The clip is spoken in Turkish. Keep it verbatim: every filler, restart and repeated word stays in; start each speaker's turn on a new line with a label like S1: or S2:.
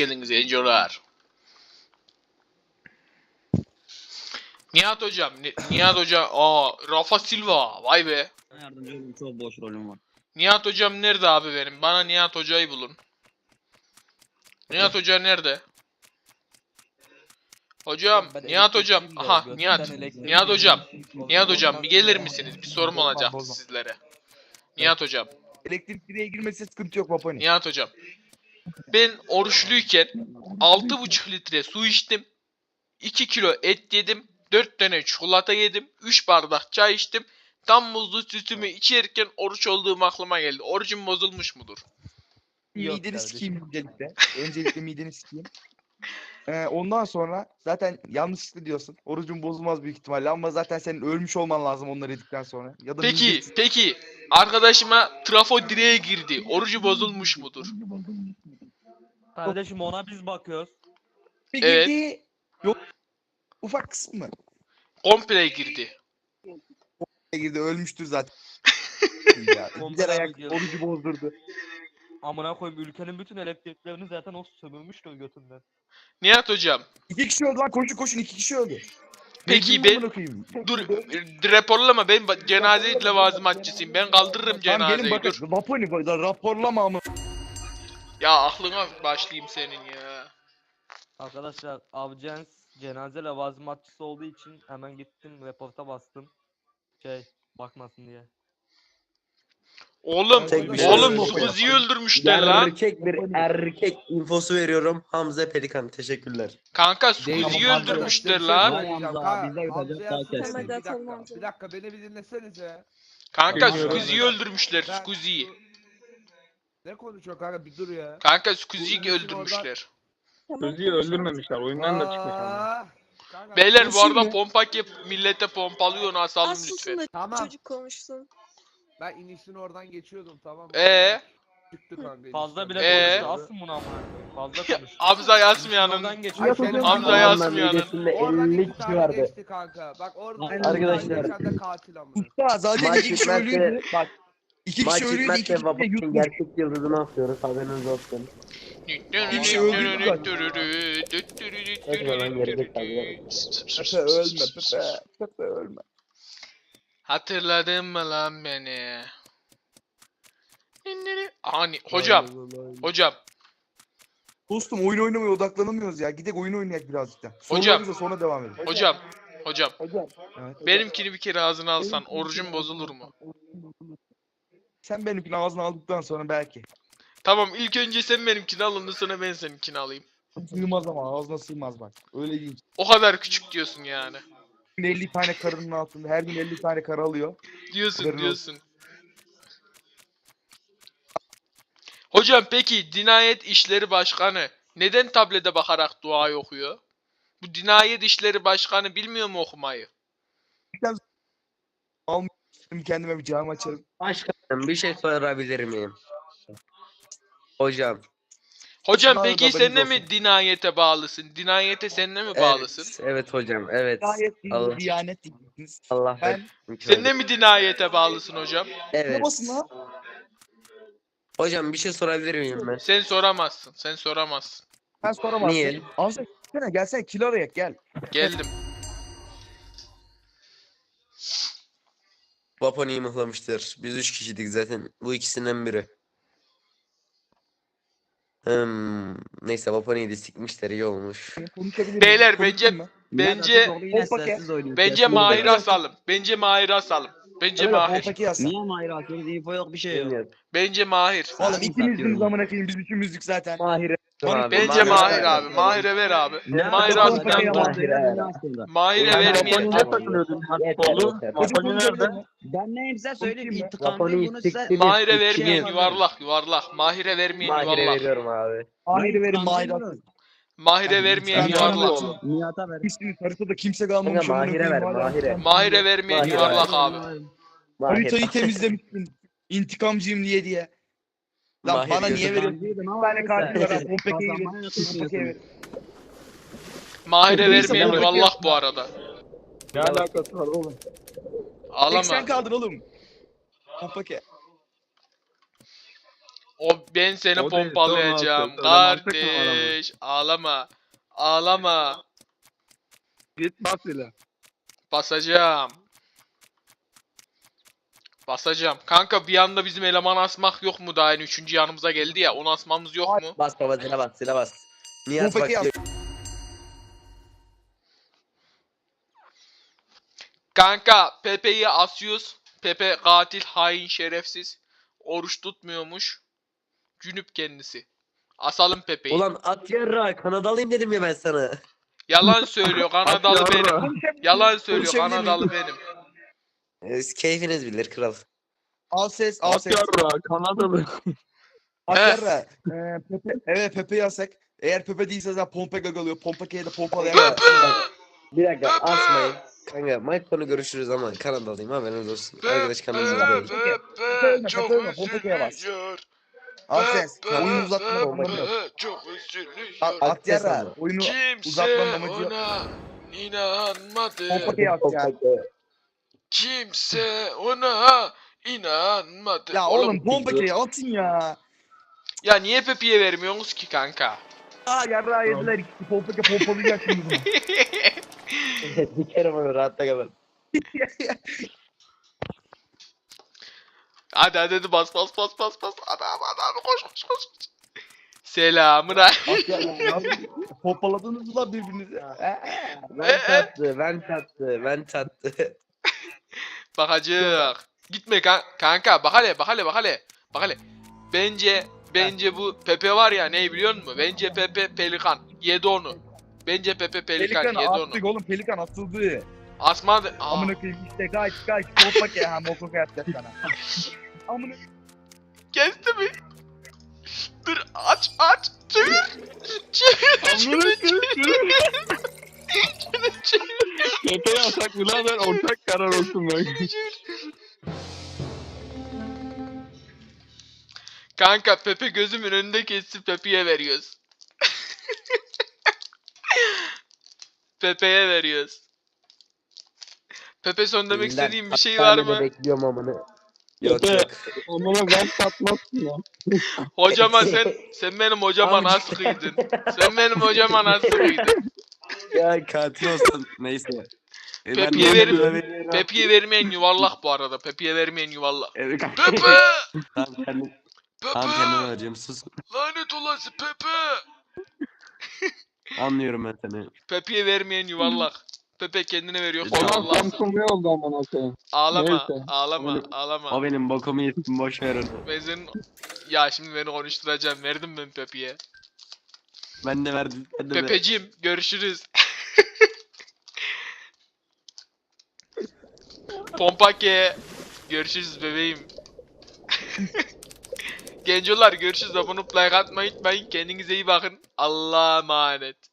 S1: geldiniz gencolar. Nihat hocam, Ni- Nihat hocam, aa Rafa Silva, vay be.
S2: Yardımcı olun, çok boş rolüm var.
S1: Nihat hocam nerede abi benim? Bana Nihat hocayı bulun. Nihat hoca nerede? Hocam,
S3: Ben
S1: Nihat hocam,
S3: elektrikçiyim de,
S1: aha
S3: götümden
S1: Nihat,
S3: elektrik
S1: Nihat hocam,
S3: geliyor.
S1: Nihat hocam bir gelir
S3: Olmaz.
S1: misiniz? Bir sorum olacaktı
S4: bozma.
S1: sizlere. Nihat hocam,
S4: Elektrik direğe girmesi sıkıntı yok Vaponi.
S1: Nihat hocam. Ben oruçluyken altı buçuk litre su içtim. iki kilo et yedim. dört tane çikolata yedim. üç bardak çay içtim. Tam muzlu sütümü içerken oruç olduğum aklıma geldi. Orucum bozulmuş mudur?
S3: Yok
S4: Mideni
S3: kardeşim.
S4: sikeyim öncelikle. Öncelikle mideni sikeyim. Ee, ondan sonra zaten yanlışlıkla diyorsun. Orucun bozulmaz büyük ihtimalle ama zaten senin ölmüş olman lazım onları yedikten sonra. Ya da
S1: Peki,
S4: midesi-
S1: peki. Arkadaşıma trafo direğe girdi. Orucu bozulmuş mudur?
S3: Kardeşim ona biz bakıyoruz.
S4: Bir
S1: Evet.
S4: girdiği yok. Ufak kısmı.
S1: Komple girdi.
S4: Girdi ölmüştür zaten. ya.
S3: Komple
S4: Gider ayak
S3: gidiyor.
S4: orucu bozdurdu.
S3: Amına koyayım, ülkenin bütün elektriklerini zaten o sömürmüştü o götünden.
S1: Nihat hocam.
S4: İki kişi öldü lan koşun koşun iki kişi öldü.
S1: Peki
S4: Mecnun
S1: ben-
S4: amına koyayım.
S1: Dur, raporlama, ben ba- cenaze levazımatçısıyım. Ben kaldırırım
S4: Tamam gelin
S1: cenazeyi, dur.
S4: bakın. Vaponi raporlama ama.
S1: Ya aklına başlayayım senin ya.
S3: Arkadaşlar Avcens cenaze levazımatçısı olduğu için hemen gittim reporta bastım. Şey bakmasın diye.
S1: Oğlum,
S5: Tek bir şey
S1: oğlum
S4: söyleyeyim.
S1: Sukuzi'yi öldürmüşler lan.
S5: Erkek bir erkek infosu veriyorum. Hamza Pelikan. Teşekkürler.
S1: Kanka Sukuzi'yi
S4: Tamam,
S1: öldürmüşler
S6: Size
S1: lan.
S6: bir şey söyleyeceğim.
S2: Hamza,
S6: Ka-
S2: bize
S6: Hamza'ya
S2: yapacak daha
S6: söyleyeyim,
S2: kesin.
S6: Bir dakika,
S7: Tamam.
S6: bir dakika beni bir dinlesenize.
S1: Kanka
S6: Bilmiyorum.
S1: Sukuzi'yi öldürmüşler,
S6: Ben
S1: Sukuzi'yi.
S6: şu- Ne konuşuyor kanka, bir dur ya.
S1: Kanka Sukuzi'yi
S6: Bu işin
S1: öldürmüşler.
S7: Sözü öldürmemişler. Oyundan da çıkmış ama.
S6: Aa, kanka,
S1: Beyler bu
S4: Konuşayım
S1: arada
S4: mı?
S1: pompak yap, millete pompalıyor, asalım
S7: Az susun
S1: lütfen.
S7: da
S6: Tamam,
S7: çocuk konuşsun.
S6: ben inişini oradan geçiyordum, tamam mı?
S1: Ee?
S6: Çıktı kanka.
S3: Fazla
S6: inişten.
S3: bile
S1: Ee?
S3: konuştu, asın bunu amına koyayım. Fazla konuş.
S1: Hamza yazmayanın.
S3: Oradan geçiyor.
S6: Ay, senin
S1: Hamza
S6: Allah'ın
S1: yazmayanın.
S5: midesinde
S6: Oradan
S5: elli
S6: iki
S5: kişi
S6: tane
S5: vardı.
S6: geçti kanka. Bak orada
S5: Arkadaşlar.
S6: geçen de katil amına.
S4: Usta zaten
S5: Maç
S4: iki kişi ölüyordu.
S5: bitmezse
S4: Bak. İki
S5: maç
S4: kişi ölüyordu iki
S5: bitmezse
S4: kişi de
S5: Vapur'un
S4: yutmuş.
S5: gerçek yıldızını asıyoruz. Haberiniz olsun.
S4: Bir şey öldürdü bak.
S5: Etme lan gerizekalı.
S4: Pepe ölme Pepe. Pepe ölme.
S1: Hatırladın mı lan beni? Hani hocam, hocam,
S4: Dostum oyun oynamaya odaklanamıyoruz ya. Gidek oyun oynayak birazcık da.
S1: Hocam.
S4: Sorularımıza sonra devam edelim.
S1: hocam, hocam.
S4: Evet.
S1: Benimkini bir kere ağzına alsan orucun bozulur mu?
S4: Sen benimkini ağzına aldıktan sonra belki.
S1: Tamam, ilk önce sen benimkini al, ondan sonra ben seninkini alayım.
S4: Sığmaz ama ağzına sığmaz bak. Öyle değil.
S1: O kadar küçük diyorsun yani.
S4: elli tane karının altında her gün elli tane karı alıyor.
S1: Diyorsun,
S4: Haberin
S1: diyorsun. Hocam peki Dinayet İşleri Başkanı neden tablete bakarak dua okuyor? Bu Dinayet İşleri Başkanı bilmiyor mu okumayı?
S4: Şimdi kendime bir cami açarım.
S5: Başkanım bir şey sorabilir miyim? Hocam.
S1: Hocam
S4: Daha
S1: peki
S4: da
S1: sen de
S4: haberiniz
S1: mi
S4: olsun.
S1: Dinayete bağlısın? Dinayete sen de mi bağlısın?
S5: Evet, evet hocam. Evet.
S4: Gayet iyi
S5: Allah,
S4: bir diyanet diyeceksiniz.
S5: Allah
S4: Ben-
S1: Sen de mi Dinayete bağlısın hocam?
S4: Ne
S5: Evet.
S4: basın lan?
S5: Hocam bir şey sorabilir miyim ben?
S1: Sen soramazsın. Sen soramazsın.
S4: Sen soramazsın.
S5: Niye?
S4: Ağzına gelsene gelsene kilo arayak gel.
S1: Geldim.
S5: Vaponi'yi mıhlamıştır. Biz üç kişiydik zaten. Bu ikisinden biri. Hmm, neyse Vaponi'yi de sikmişler, iyi olmuş.
S4: Konuşabilirim.
S1: Beyler,
S4: Konuşayım
S1: bence-
S4: mı?
S1: Bence
S2: Yine
S4: Hoppa
S2: sessiz oynuyor.
S1: bence
S2: sessiz
S1: Mahir'i
S2: oynuyor.
S1: asalım. Bence Mahir'i asalım. Bence
S4: Evet,
S1: Mahir.
S4: Hoppa yazsın.
S2: Niye Mahir atıyoruz? İnfo yok, bir şey yok.
S5: Bilmiyorum.
S1: Bence Mahir.
S4: Oğlum
S2: Sen
S4: ikimiz
S2: satıyorum.
S4: bir zamana koyayım biz üçümüzdük zaten.
S5: Mahir'e.
S4: Abi,
S1: Bence
S5: Mahir'e
S1: Mahir
S5: ver.
S1: abi. Mahir'e ver abi.
S2: Ne
S1: Mahir'e
S4: yapalım?
S1: asmayan
S4: Mahir'e
S1: var.
S5: ver.
S1: Mahir'e
S5: Ben
S1: vermeyen.
S5: Vaponi'ye
S2: takılıyordun
S5: Yeter.
S4: Çocuk konuşabilir mi?
S2: Ben neyim size söyleyeyim.
S4: Konuşayım mı?
S2: İntikamlıyım
S5: Vaponi'yi
S2: bunu size.
S5: siktir.
S1: Mahir'e
S5: Şey
S1: vermeyen
S2: yapalım.
S1: yuvarlak yuvarlak. Mahir'e vermeyen
S5: Mahir'e
S1: yuvarlak.
S5: veriyorum abi.
S4: Mahir'i verin
S2: İntikamcıyım
S4: Mahir'i
S2: bunu.
S4: atın.
S1: Mahir'e
S4: Hadi,
S1: vermeyen
S4: lütfen.
S1: yuvarlak.
S4: Nihat'a
S2: Nihat'a ver.
S4: Hiçbir haritada kimse
S5: Kanka
S4: kalmamış. amına
S5: Mahir'e
S4: koyayım,
S5: ver,
S4: hala.
S5: Mahir'e.
S1: Mahir'e vermeyen
S5: Mahir'e
S1: yuvarlak
S5: ver.
S1: abi.
S5: Mahir.
S4: Haritayı temizlemişsin. İntikamcıyım diye diye. Lan
S5: Mahir
S4: bana niye
S5: gözüm.
S4: veriyorsun? Bir tane katil var ha. Pompeke'yi verin. Pompeke'yi verin.
S1: Mahir'e
S4: Neyse,
S1: vermeyen
S4: ben-
S1: yuvarlak bu arada.
S4: Ne alakası var oğlum? Tek sen
S1: Ağlama.
S4: kaldın oğlum. Pompeke.
S1: O ben seni
S7: O değil,
S1: pompalayacağım
S7: tamam, mantıklı mı
S1: kardeş. Ağlama. Ağlama.
S7: Git bas ile.
S1: Basacağım. Basacağım. Kanka bir anda bizim eleman asmak yok mu daha yeni üçüncü yanımıza geldi ya. Onu asmamız yok mu?
S5: Bas baba zile bas zile bas. Nihat bak
S4: Pompaki yaz.
S1: Kanka Pepe'yi asıyoruz. Pepe katil, hain, şerefsiz. Oruç tutmuyormuş. Cünüp kendisi. Asalım Pepe'yi.
S5: Ulan at yarra Kanadalıyım dedim ya ben sana.
S1: Yalan söylüyor. Kanadalı benim.
S7: Yarra.
S1: Yalan söylüyor.
S4: Konuşabilir miyim?
S1: Kanadalı benim.
S5: Ee, Keyfiniz bilir kral.
S4: Al ses, al
S7: At
S4: ses.
S7: yarra. Kanadalı.
S4: Akyarra. Ee, Pepe, evet Pepe yasak. Eğer Pepe değilse zaten pompa gagalıyor. Pompaki'ye de pompalayan
S1: Pepe!
S5: Bir dakika asmayın. Kanka Mike konu görüşürüz ama Kanadalıyım haberiniz olsun. Arkadaş Kanadalı değil.
S1: Pepe
S4: çok Pompaki'ye bas.
S1: üzülüyor.
S4: Al ses.
S1: Pepe,
S4: Oyunu uzatmanın amacı yok.
S1: Pepe çok üzülüyor.
S4: A- Akyarra. Oyunu
S1: Kimse
S4: uzatmanın amacı yok.
S1: ona inanmadı.
S4: Pompaki'ye yaz ya.
S1: Kimse ona inanmadı.
S4: Ya oğlum Pompaki'ye atın ya.
S1: Ya niye Pepe'ye vermiyorsunuz ki kanka?
S4: Aa yarrağı yediler ikisi. Pompaki pompalayacak şimdi bunu.
S5: Dikerim onu rahatta kalın.
S1: Hadi hadi hadi bas bas bas bas bas. Adam adam koş koş koş. Selamın aleyküm.
S4: Akyarra. Pompaladınız mı lan birbirinizi?
S5: Ben tattı, ben tattı, ben tattı.
S1: Bakacak. Gitme kan kanka bak hele bak hele bak hele. Bak hele. Bence bence bu Pepe var ya ne biliyor musun? Bence Pepe Pelikan. Yedi onu. Bence Pepe Pelikan,
S4: Pelikan
S1: yedi
S4: attık
S1: onu.
S4: oğlum. Pelikan atıldı.
S1: Asmadı. Aa,
S4: Amına koyayım işte kaç kaç. Pompaki ha mokok yapacak sana. Amına
S1: kesti mi? Dur aç aç. Çevir. Çevir. Çevir. Çevir. Çevir. Çevir.
S7: Pepe yasak birader ortak karar olsun bak.
S1: Kanka Pepe gözümün önünde kesip Pepe'ye veriyoruz. Pepe'ye veriyoruz. Pepe son demek
S5: Elinden
S1: istediğin bir şey var
S5: hastanede
S1: mı?
S5: bekliyorum amını. Yok
S7: Pepe.
S5: yok.
S7: Amına ben satmazsın ya.
S1: Hocama sen sen benim hocama
S5: Abi-
S1: nasıl kıydın? Sen benim hocama nasıl kıydın?
S5: Ya katil olsun neyse. E, ben
S1: Pepe'ye
S5: de
S1: verin.
S5: buna veriyorum.
S1: Pepe'ye vermeyen yuvarlak bu arada. Pepe'ye vermeyen yuvarlak.
S5: Evet, kanka.
S1: Pepe!
S5: Tamam kendim, tamam kendime
S1: Pepe!
S5: vereceğim sus.
S1: Lanet olası Pepe!
S5: Anlıyorum ben seni.
S1: Pepe'ye vermeyen yuvarlak. Pepe kendine veriyor.
S5: Tamam,
S1: Sen
S7: Ona
S1: Allah'sın.
S7: Samsung ne oldu amına koyayım.
S1: Ağlama,
S7: Neyse.
S1: ağlama,
S7: Öyle-
S1: ağlama.
S5: O benim bokumu yesin boş ver onu.
S1: Ben senin... Ya şimdi beni konuşturacağım. Verdim ben Pepe'ye.
S5: Ben de verdim. Sen de ver.
S1: Pepeciğim görüşürüz. Pompake. Görüşürüz bebeğim. Gencolar görüşürüz. Abone olup like atmayı unutmayın. Kendinize iyi bakın. Allah'a emanet.